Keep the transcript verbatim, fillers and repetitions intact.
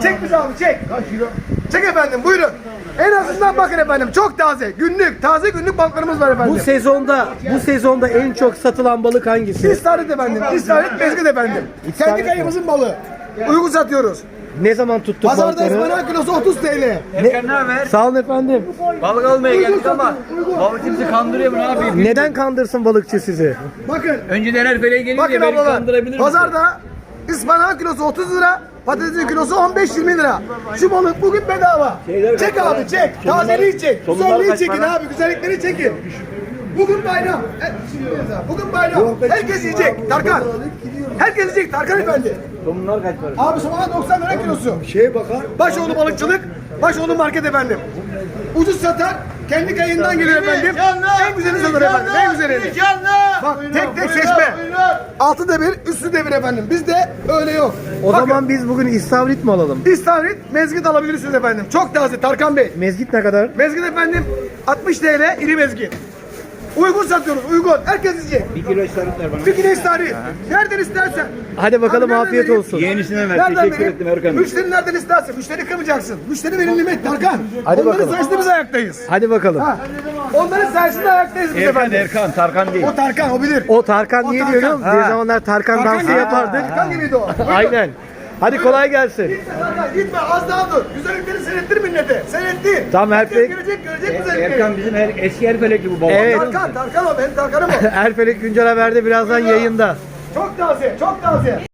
Çek bizi abi çek. Kaç kilo? Çek efendim buyurun. En azından bakın efendim çok taze. Günlük, taze günlük balıklarımız var efendim. Bu sezonda bu sezonda en çok satılan balık hangisi? İstavrit efendim. İstavrit mezgit efendim. İstavrit Kendi mi? kayımızın balığı. Uygun satıyoruz. Ne zaman tuttuk Pazarda balıkları? ıspanak kilosu otuz T L. Erkan ne haber? Sağ olun efendim. Balık almaya geldik ama balık kimse kandırıyor mu abi? Neden kandırsın balıkçı sizi? Bakın. Önceden her feleğe gelince Bakın beni ablalar. kandırabilir misin? Pazarda ıspanak kilosu otuz lira. Patatesin kilosu on beş yirmi lira. Şu balık bugün bedava. Çek abi çek. Tazeliği çek. Güzelliği çekin abi. Güzellikleri çekin. Bugün bayram. E, Bugün bayram. Herkes yiyecek. Tarkan. Herkes yiyecek Tarkan efendi. Bunlar kaç para? Abi soğan doksan lira kilosu. Şeye bakar. Başoğlu balıkçılık. Başoğlu market efendim. Ucuz satar. Kendi kayından geliyor efendim. En güzeli satır efendim. En güzeli. Bak tek tek seçme. Altı da bir, üstü de bir efendim. Bizde öyle yok. O Bakın, zaman biz bugün istavrit mi alalım? İstavrit, mezgit alabilirsiniz efendim. Çok taze Tarkan Bey. Mezgit ne kadar? Mezgit efendim altmış T L iri mezgit. Uygun satıyoruz, uygun. Herkes yiyecek. Bir kilo istavrit ver bana. Bir kilo istavrit. Nereden istersen. Hadi bakalım, Abi nereden afiyet vereyim? olsun. Yeğenisine ver. Nereden Teşekkür vereyim? ettim Erkan. Müşteri nereden istersen. Müşteri kırmayacaksın. Müşteri benim nimet Tarkan. Hadi Onların bakalım. sayesinde biz ayaktayız. Hadi bakalım. Ha. Onların sayesinde ayaktayız biz Erkan efendim. Erkan Tarkan değil. O Tarkan, o bilir. O Tarkan O niye Tarkan. diyorum? Ha. Bir zamanlar Tarkan, Tarkan dansı gibi. yapardık. Tarkan gibiydi o. Buyurun. Aynen. Hadi kolay gelsin. Gitme Tarkan, gitme az daha dur. Güzellikleri seyrettir millete. Seyretti. Tamam, her Herkes şey- görecek, görecek güzellikleri. Erkan bizim her, eski her felekli bu baba. Evet. Tarkan, Tarkan o benim Tarkan'ım o. Erfelek Güncel Haber'de birazdan yayında. Çok taze, çok taze.